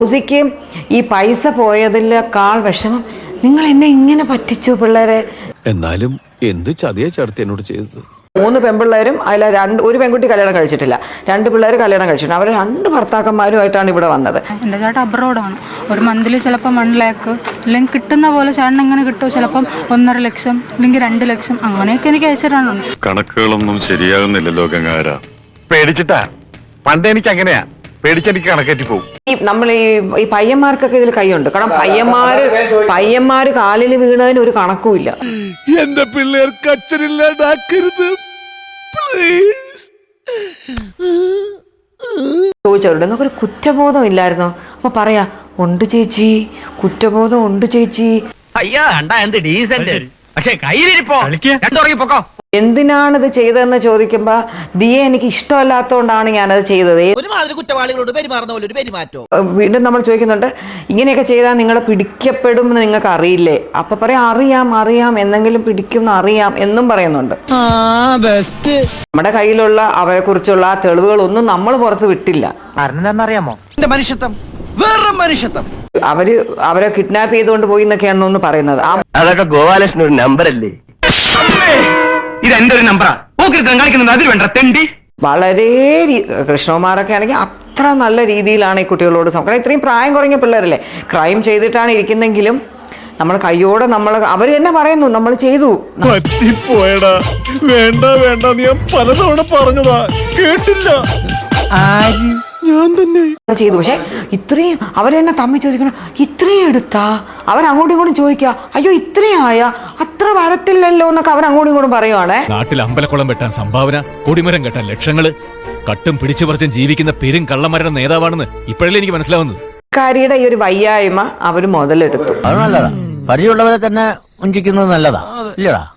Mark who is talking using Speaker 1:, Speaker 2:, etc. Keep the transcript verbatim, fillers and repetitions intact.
Speaker 1: ഉസിക്ക് ഈ പൈസ പോയതിലേക്കാൾ വിഷമം നിങ്ങൾ എന്നെ ഇങ്ങനെ പറ്റിച്ചു പിള്ളേരെ.
Speaker 2: എന്നാലും എന്ത് ചതിയ ചേർത്ത് എന്നോട് ചെയ്തത്.
Speaker 1: മൂന്ന് പെൺപിള്ളേരും അതിൽ രണ്ട് ഒരു പെൺകുട്ടി കല്യാണം കഴിച്ചിട്ടില്ല, രണ്ട് പിള്ളേർ കല്യാണം കഴിച്ചിട്ടുണ്ട്. അവർ രണ്ട് ഭർത്താക്കന്മാരുമായിട്ടാണ് ഇവിടെ വന്നത്.
Speaker 3: എൻ്റെ ചേട്ടൻ അബ്രോഡാണ്. ഒരു മന്തിൽ ചിലപ്പം വൺ ലാക്ക് അല്ലെങ്കിൽ കിട്ടുന്ന പോലെ ചേട്ടൻ എങ്ങനെ കിട്ടുമോ, ചിലപ്പം ഒന്നര ലക്ഷം അല്ലെങ്കിൽ രണ്ട് ലക്ഷം അങ്ങനെയൊക്കെ എനിക്ക് അയച്ചിട്ടാണ്.
Speaker 4: കണക്കുകളൊന്നും ശരിയാകുന്നില്ലല്ലോ ഗംഗാര. പേടിച്ചിട്ടാ പണ്ട് എനിക്ക് അങ്ങനെയാ, പേടിച്ചെനിക്ക് കണക്കേറ്റി പോകും.
Speaker 1: ഈ നമ്മൾ ഈ ഈ പയ്യന്മാർക്കൊക്കെ ഇതിൽ കൈയുണ്ട്. കാരണം പയ്യന്മാര് പയ്യന്മാര് കാലിൽ വീണതിന് ഒരു കണക്കുമില്ല.
Speaker 4: എന്റെ പിള്ളേർക്ക് അച്ഛനില്ലാണ്ടാക്കരുത്
Speaker 1: ചോദിച്ചവരുടെ നിങ്ങൾക്ക് ഒരു കുറ്റബോധം ഇല്ലായിരുന്നോ? അപ്പൊ പറയാ ഉണ്ട് ചേച്ചി, കുറ്റബോധം ഉണ്ട് ചേച്ചി.
Speaker 5: അയ്യോ കണ്ടാ എന്ത് ഡീസന്റ്, പക്ഷെ കയ്യിലിരിപ്പോ പൊക്കോ.
Speaker 1: എന്തിനാണ് ഇത് ചെയ്തതെന്ന് ചോദിക്കുമ്പോ ദിയെ എനിക്ക് ഇഷ്ടമല്ലാത്തതുകൊണ്ടാണ് ഞാനത് ചെയ്തത്.
Speaker 6: കുറ്റവാളികളോട് പെരുമാറുന്ന പോലെ ഒരു പെരുമാറ്റോ.
Speaker 1: വീണ്ടും നമ്മൾ ചോദിക്കുന്നുണ്ട് ഇങ്ങനെയൊക്കെ ചെയ്താൽ നിങ്ങൾ പിടിക്കപ്പെടും എന്ന് നിങ്ങൾക്ക് അറിയില്ലേ? അപ്പൊ പറയാം അറിയാം അറിയാം എന്നെങ്കിലും പിടിക്കും അറിയാം എന്നും പറയുന്നുണ്ട്. നമ്മുടെ കയ്യിലുള്ള അവരെ കുറിച്ചുള്ള തെളിവുകളൊന്നും നമ്മൾ പുറത്ത് വിട്ടില്ല.
Speaker 5: അറിയാമോ മനുഷ്യത്വം വേറെ മനുഷ്യത്വം.
Speaker 1: അവര് അവരെ കിഡ്നാപ്പ് ചെയ്തുകൊണ്ട് പോയി എന്നൊക്കെയാണെന്ന് പറയുന്നത്.
Speaker 5: അതൊക്കെ ഗോപാലകൃഷ്ണൻ ഒരു നമ്പർ അല്ലേ? ഇത് എന്റെ ഒരു നമ്പറാ കളിക്കുന്നത്. അതിൽ വേണ്ട തെണ്ടി.
Speaker 1: വളരെ കൃഷ്ണകുമാറൊക്കെ ആണെങ്കിൽ അത്ര നല്ല രീതിയിലാണ് ഈ കുട്ടികളോട് സംസാരം. ഇത്രയും പ്രായം കുറഞ്ഞ പിള്ളേരല്ലേ, ക്രൈം ചെയ്തിട്ടാണ് ഇരിക്കുന്നെങ്കിലും നമ്മൾ കയ്യോടെ നമ്മൾ അവർ തന്നെ പറയുന്നു നമ്മൾ ചെയ്തു.
Speaker 2: പറ്റിപ്പോയടാ, വേണ്ട വേണ്ട ഞാൻ പലതവണ പറഞ്ഞതാ, കേട്ടില്ല. ഞാൻ തന്നെ
Speaker 1: ചെയ്തു. പക്ഷെ ഇത്രയും അവർ തന്നെ തമ്മിൽ ചോദിക്കണം ഇത്രയും എടുത്താ, അവരങ്ങോട്ടും ഇങ്ങോട്ടും ചോദിക്കുക അയ്യോ ഇത്രയും ആയ അത്ര വരത്തില്ലല്ലോ എന്നൊക്കെ അവരങ്ങോട്ടും ഇങ്ങോട്ടും പറയുവാണേ.
Speaker 7: നാട്ടിൽ അമ്പലക്കുളം വെട്ടാൻ സംഭാവന, കൊടിമരം കെട്ടാൻ ലക്ഷങ്ങള്, കട്ടും പിടിച്ചു പറിച്ചും ജീവിക്കുന്ന പെരും കള്ളന്മാരുടെ നേതാവാണെന്ന് ഇപ്പോഴല്ലേ എനിക്ക് മനസ്സിലാവുന്നത്.
Speaker 1: കാരിയുടെ ഈ ഒരു വയ്യായ്മ അവർ മുതലെടുത്തു.
Speaker 5: അത് നല്ലതാ, പരിചയമുള്ളവരെ തന്നെ ഉഞ്ചിക്കുന്നത് നല്ലതാ ഇല്ലടാ.